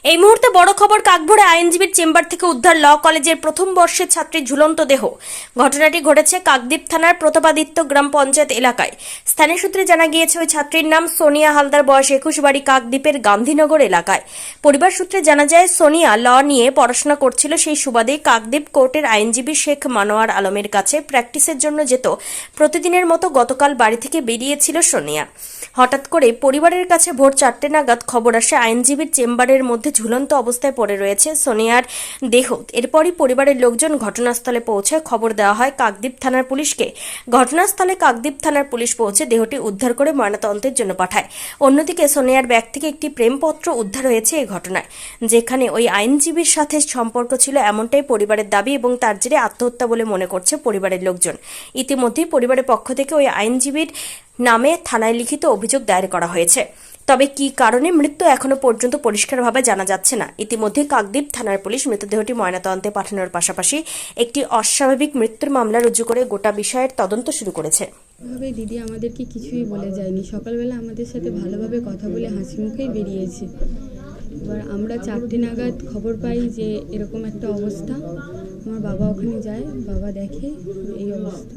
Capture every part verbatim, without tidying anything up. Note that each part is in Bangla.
এই মুহূর্তে বড় খবর, কাকভোরে আইনজীবীর চেম্বার থেকে উদ্ধার ল কলেজের প্রথম বর্ষের ছাত্রীর ঝুলন্ত দেহ। ঘটনাটি ঘটেছে কাকদ্বীপ থানার প্রতাপাদিত্য গ্রাম পঞ্চায়েত এলাকায়। স্থানীয় সূত্রে জানা গিয়েছে ওই ছাত্রীর নাম সোনিয়া হালদার, বয়স একুশ, বাড়ি কাকদ্বীপের গান্ধীনগর এলাকায়। পরিবার সূত্রে জানা যায় সোনিয়া ল নিয়ে পড়াশোনা করছিল, সেই সুবাদেই কাকদ্বীপ কোর্টের আইনজীবী শেখ মানোয়ার আলমের কাছে প্র্যাকটিসের জন্য যেত। প্রতিদিনের মতো গতকাল বাড়ি থেকে বেরিয়েছিল সোনিয়া। হঠাৎ করে পরিবারের কাছে ভোর চারটে নাগাদ খবর আসে আইনজীবীর চেম্বারের মধ্যে ঝুলন্ত অবস্থায় পড়ে রয়েছে সোনিয়ার দেহ। এরপরই পরিবারের লোকজন ঘটনাস্থলে পৌঁছে খবর দেওয়া হয় কাকদ্বীপ থানার পুলিশকে। ঘটনাস্থলে কাকদ্বীপ থানার পুলিশ পৌঁছে দেহটি উদ্ধার করে ময়নাতদন্তের জন্য পাঠায়। অন্যদিকে সোনিয়ার ব্যাগ থেকে একটি প্রেমপত্র উদ্ধার হয়েছে এই ঘটনায়, যেখানে ওই আইনজীবীর সাথে সম্পর্ক ছিল এমনটাই পরিবারের দাবি এবং তার জেরে আত্মহত্যা বলে মনে করছে পরিবারের লোকজন। ইতিমধ্যেই পরিবারের পক্ষ থেকে ওই আইনজীবীর নামে থানায় লিখিত অভিযোগ দায়ের করা হয়েছে। তবে কী কারণে মৃত্যু এখনো পর্যন্ত পরিষ্কারভাবে জানা যাচ্ছে না। ইতিমধ্যে কাকদ্বীপ থানার পুলিশ মৃতদেহটি ময়নাতদন্তে পাঠানোর পাশাপাশি একটি অস্বাভাবিক মৃত্যুর মামলা রুজু করে গোটা বিষয়ের তদন্ত শুরু করেছে। ভাবে দিদি আমাদেরকে কিছুই বলে যায়নি। সকালবেলা আমাদের সাথে ভালোভাবে কথা বলে হাসি মুখেই বেরিয়েছে। এবার আমরা চারটে নাগাদ খবর পাই যে এরকম একটা অবস্থা। আমার বাবা ওখানে যায়, বাবা দেখে এই অবস্থা।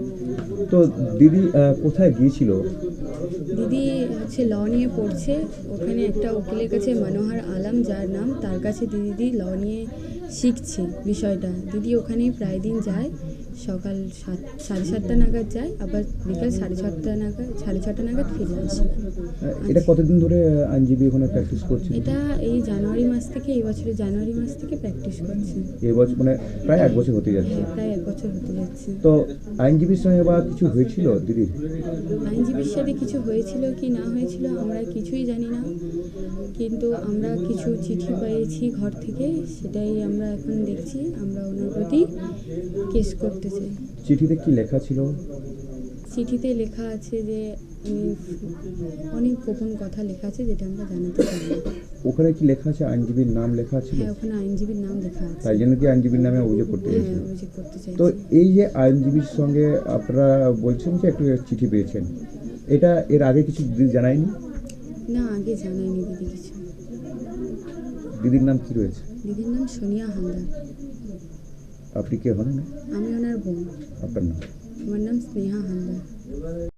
তো দিদি কোথায় গিয়েছিল? দিদি হচ্ছে ল নিয়ে পড়ছে, ওখানে একটা উকিলের কাছে মনোহর আলম যার নাম, তার কাছে দিদি ল নিয়ে শিখছে বিষয়টা। দিদি ওখানেই প্রায় দিন যায়, সকাল সাত সাড়ে সাতটা নাগাদ যায়, আবার বিকাল সাড়ে ছটা নাগাদ সাড়ে ছটা নাগাদ ফিরে আসে। এটা কতদিন ধরে আইনজীবী ওখানে প্র্যাকটিস করছে? এটা এই জানুয়ারি মাস থেকে, এই বছরের জানুয়ারি মাস থেকে প্র্যাকটিস করছে। এই বছর মানে প্রায় এক বছর হতে যাচ্ছে। হ্যাঁ, প্রায় এক বছর হতে যাচ্ছে। তো আইনজীবীর সঙ্গে বা কিছু হয়েছিল দিদির? আইনজীবীর সাথে কিছু হয়েছিল কি না হয়েছিল আমরা কিছুই জানি না, কিন্তু আমরা কিছু চিঠি পেয়েছি ঘর থেকে, সেটাই আমরা এখন দেখছি। আমরা ওনার প্রতি কেস করতে চাই। চিঠিতে কি লেখা ছিল? চিঠিতে লেখা আছে যে অনেক গোপন কথা লেখা আছে, যেটা আমরা জানাতে চাই না। ওখানে কি লেখা আছে? আইনজীবীর নাম লেখা আছে? হ্যাঁ, ওখানে আইনজীবীর নাম লেখা আছে। তাই জন্য কি আইনজীবীর নামে অভিযোগ করতে চাইছেন? হ্যাঁ, অভিযোগ করতে চাই। তো এই যে আইনজীবীর সঙ্গে আপনারা বলছেন যে একটা চিঠি পেয়েছেন, এটা এর আগে কিছু দিদি জানায়নি? না, আগে জানায়নি দিদি কিছু। দিদির নাম কি রয়েছে? দিদির নাম সোনিয়া হালদার। আপনি কে হন? আমি ওনার বোন। আপনার নাম? আমার নাম স্নেহা হালদার।